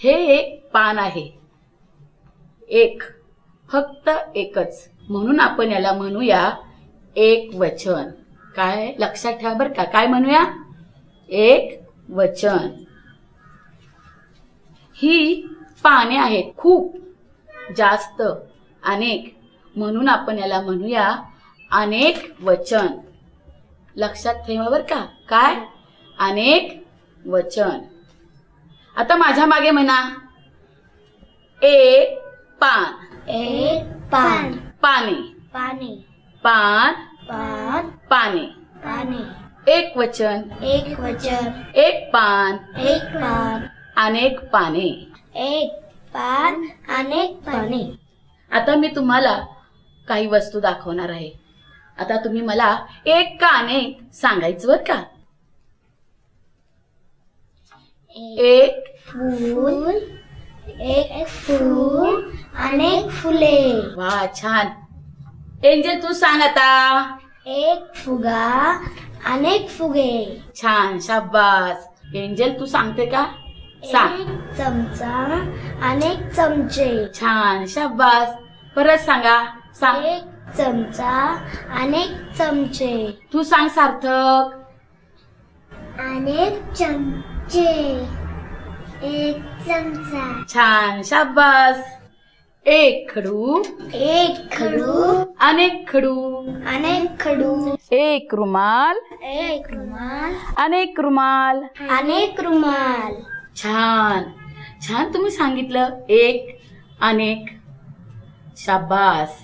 हे एक पान आहे. एक, फक्त एकच, म्हणून आपण याला म्हणूया एक वचन. काय लक्षात ठेवा बरं का, काय म्हणूया? एक वचन. ही पाने आहेत, खूप, जास्त, अनेक, म्हणून आपण याला म्हणूया अनेक वचन. लक्षात ठेवा बरं का, काय? अनेक वचन. आता माझ्या मागे म्हणा, एक पान. एक पान. पाने. पाने. पान. पान. पाने. पाने. एक वचन. एक वचन. एक पान. एक पान. अनेक पाने. एक पान. अनेक पाने. आता मी तुम्हाला काही वस्तू दाखवणार आहे. आता तुम्ही मला एक का अनेक सांगायचं बरं का. एक फूल. एक फूल. अनेक फुले. वा, छान. एंजल तू सांग आता. एक फुगा. अनेक फुगे. छान, शाबास. एंजल तू सांगते का? सांग. एक चमचा. अनेक चमचे. छान, शाबास. परत सांगा. सांग. एक चमचा. अनेक चमचे. तू सांग सार्थक. अनेक चमचे. एक चमचा. छान, शाबास. एक खडू. एक खडू. अनेक खडू. अनेक खडू. एक रुमाल. एक रुमाल. अनेक रुमाल. अनेक रुमाल. छान छान तुम्ही सांगितलं. एक अनेक. शाबास.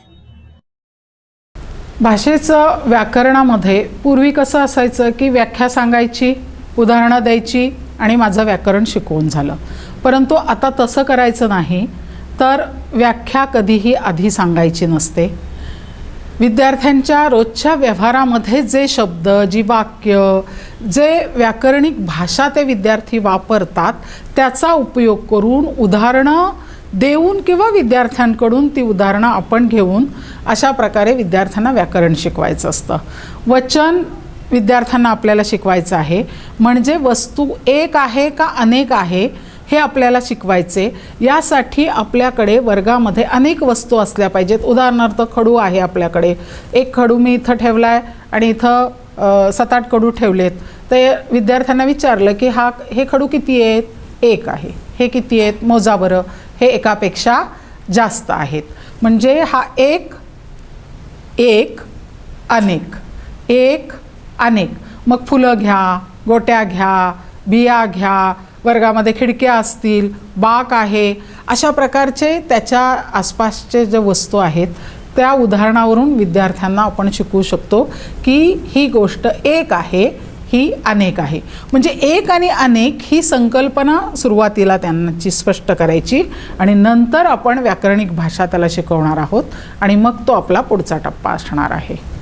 भाषेचं व्याकरणामध्ये पूर्वी कसं असायचं की व्याख्या सांगायची, उदाहरणं द्यायची आणि माझं व्याकरण शिकवून झालं. परंतु आता तसं करायचं नाही. तर व्याख्या कधीही आधी सांगायची नसते. विद्यार्थ्यांच्या रोजच्या व्यवहारामध्ये जे शब्द, जी वाक्य, जे व्याकरणिक भाषा ते विद्यार्थी वापरतात त्याचा उपयोग करून उदाहरणं देऊन किंवा विद्यार्थ्यांकडून ती उदाहरणं आपण घेऊन अशा प्रकारे विद्यार्थ्यांना व्याकरण शिकवायचं असतं. वचन विद्यार्थ्यांना आपल्याला शिकवायचं आहे, म्हणजे वस्तू एक आहे का अनेक आहे हे आपल्याला शिकवायचे. यासाठी आपल्याकडे वर्गामध्ये अनेक वस्तू असल्या पाहिजेत. उदाहरणार्थ खडू आहे आपल्याकडे. एक खडू मी इथं ठेवला आहे आणि इथं 7-8 खडू ठेवलेत. ते विद्यार्थ्यांना विचारलं की हे खडू किती आहेत? एक आहे. हे किती आहेत? मोजा बरं. हे एकापेक्षा जास्त आहेत. म्हणजे हा एक, एक, अनेक, एक, अनेक. मग फुलं घ्या, गोट्या घ्या, बिया घ्या, वर्गामध्ये खिडक्या असतील, बाक आहे, अशा प्रकारचे त्याच्या आसपासचे जे वस्तू आहेत त्या उदाहरणावरून विद्यार्थ्यांना आपण शिकवू शकतो की ही गोष्ट एक आहे, ही अनेक आहे. म्हणजे एक आणि अनेक ही संकल्पना सुरुवातीला त्यांची स्पष्ट करायची आणि नंतर आपण व्याकरणिक भाषा त्याला शिकवणार आहोत आणि मग तो आपला पुढचा टप्पा असणार आहे.